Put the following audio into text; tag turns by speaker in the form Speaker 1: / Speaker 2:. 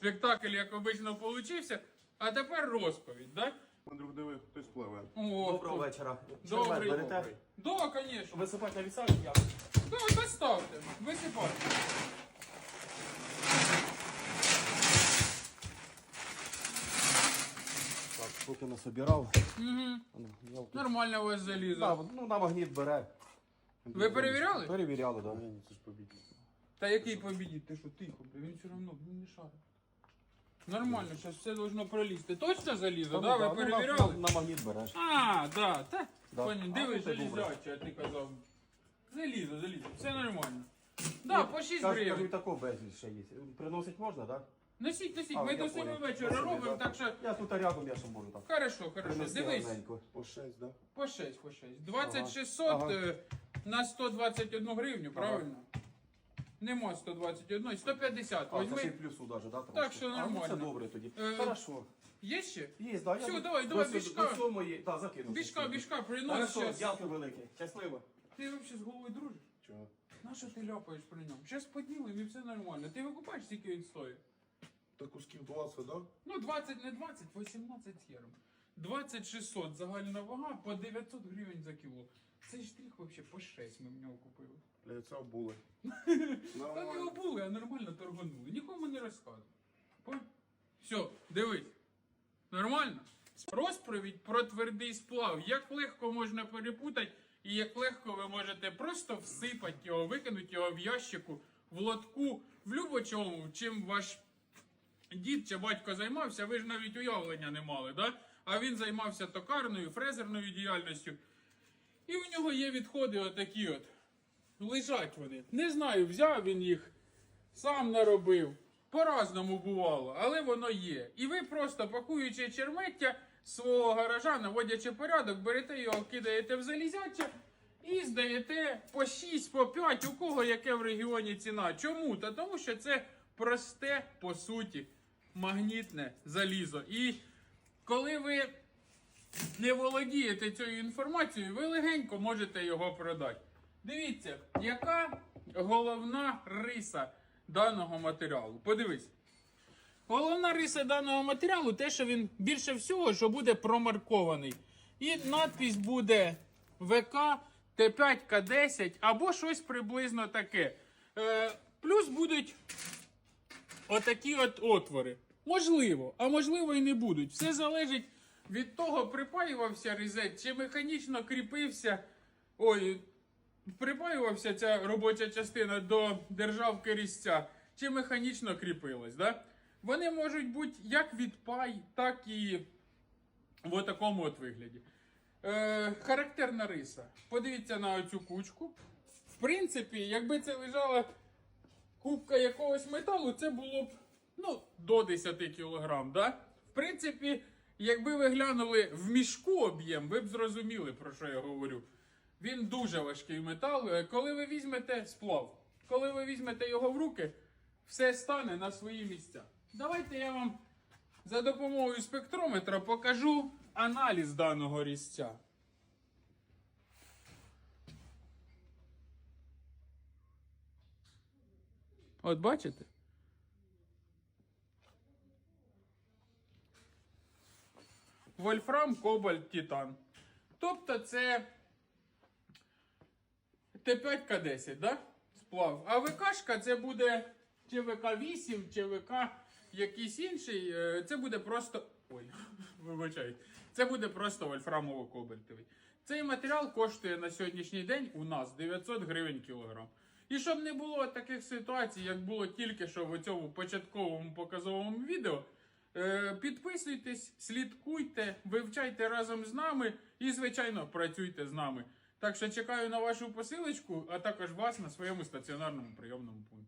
Speaker 1: спектакль, як обично, получився. А тепер розповідь, так?
Speaker 2: Друг, диви, хтось пливе.
Speaker 3: Доброго вечора.
Speaker 1: Добрий.
Speaker 3: Чермет берете?
Speaker 1: Да, звісно.
Speaker 3: Висипати на вісак я.
Speaker 1: Да, доставте. Висипайте.
Speaker 3: Так, поки насобирав.
Speaker 1: Угу. Нормально у вас залізо.
Speaker 3: Так, ну на магніт бере.
Speaker 1: Ви перевіряли?
Speaker 3: Перевіряли, так.
Speaker 2: Ні, це ж побідні.
Speaker 1: Та який побідіть? Ти що, тихо, бля, він все одно не шарить. Нормально, зараз все должно пролізти. Точно залізо, да? Ви перевіряли?
Speaker 3: На магніт береш.
Speaker 1: А, да, так.
Speaker 3: Да.
Speaker 1: Понял, дивись,
Speaker 3: А, ну, це добре.
Speaker 1: залізяче, а ти казав. Залізо, все нормально. Да, по 6
Speaker 3: Кажу, і
Speaker 1: гривень.
Speaker 3: такого безліч ще є. Приносить можна, так?
Speaker 1: Носіть,
Speaker 3: А,
Speaker 1: ми
Speaker 3: я
Speaker 1: до 7
Speaker 3: понял.
Speaker 1: вечора
Speaker 3: Я собі,
Speaker 1: робимо,
Speaker 3: да.
Speaker 1: так що...
Speaker 3: Я тут рядом, я ще можу так.
Speaker 1: Хорошо,
Speaker 3: Принести
Speaker 1: дивись.
Speaker 3: гарненько.
Speaker 2: По 6, да?
Speaker 1: По 6. 2600
Speaker 3: Ага.
Speaker 1: На 121 гривню, правильно? Нема 121, 150.
Speaker 3: А, це ще й
Speaker 1: Возьми.
Speaker 3: плюсу навіть, да?
Speaker 1: Так що
Speaker 3: А, ну,
Speaker 1: нормально.
Speaker 3: це добре тоді.
Speaker 1: Е,
Speaker 3: Хорошо.
Speaker 1: Є ще?
Speaker 3: Є, да,
Speaker 1: Все,
Speaker 3: я
Speaker 1: давай,
Speaker 3: до
Speaker 1: бішка.
Speaker 3: цього мої, так, закину.
Speaker 1: Бішка, принос
Speaker 3: Хорошо,
Speaker 1: щас.
Speaker 3: дякую велике. Щасливо.
Speaker 1: Ти взагалі з головою дружиш?
Speaker 2: Чого?
Speaker 1: На що ти ляпаєш при ньому? Зараз поділимо і все нормально. Ти викупаєш, скільки він стоїть?
Speaker 2: Та кусків 20, да?
Speaker 1: Ну, 20, не 20, 18 євро. 2600 загальна вага по 900 гривень за кіло. Цей штрих взагалі по 6 ми в нього купили.
Speaker 2: Для це обули.
Speaker 1: Та не обули, а нормально торганули. Нікому не розказуй. Все, дивись. Нормально? Розповідь про твердий сплав. Як легко можна перепутати і як легко ви можете просто всипати його, викинути його в ящику, в лотку, в любочому, чим ваш дід чи батько займався, ви ж навіть уявлення не мали, да? А він займався токарною, фрезерною діяльністю. І в нього є відходи отакі от. Лежать вони. Не знаю, взяв він їх, сам наробив. По-разному бувало, але воно є. І ви просто, пакуючи чермеття свого гаража, наводячи порядок, берете його, кидаєте в залізяче і здаєте по 6, по 5, у кого яке в регіоні ціна. Чому? Та тому що це просте, по суті, магнітне залізо. І коли ви не володієте цією інформацією, ви легенько можете його продати. Дивіться, яка головна риса даного матеріалу. Подивись. Головна риса даного матеріалу те, що він більше всього, що буде промаркований. І надпись буде ВК Т5К10 або щось приблизно таке. Плюс будуть отакі от отвори. Можливо, а можливо і не будуть. Все залежить від того, припаювався різет, чи механічно кріпився. Припаювався ця робоча частина до державки різця, чи механічно кріпилась. Да? Вони можуть бути як від пай, так і в такому от вигляді. Характерна риса. Подивіться на оцю кучку. В принципі, якби це лежала кубка якогось металу, це було б до 10 кг. Да? В принципі, якби ви глянули в мішку об'єм, ви б зрозуміли, про що я говорю. Він дуже важкий метал. Коли ви візьмете сплав, коли ви візьмете його в руки, все стане на свої місця. Давайте я вам за допомогою спектрометра покажу аналіз даного різця. От бачите? Вольфрам, кобальт, титан. Тобто це Т5К10, да? Сплав. А ВКшка це буде чи ВК8, чи ВК якийсь інший. Це буде просто... Ой, вибачайте. Це буде просто вольфрамово-кобальтовий. Цей матеріал коштує на сьогоднішній день у нас 900 гривень кілограм. І щоб не було таких ситуацій, як було тільки що в цьому початковому показовому відео, підписуйтесь, слідкуйте, вивчайте разом з нами і, звичайно, працюйте з нами. Так що чекаю на вашу посилочку, а також вас на своєму стаціонарному прийомному пункті.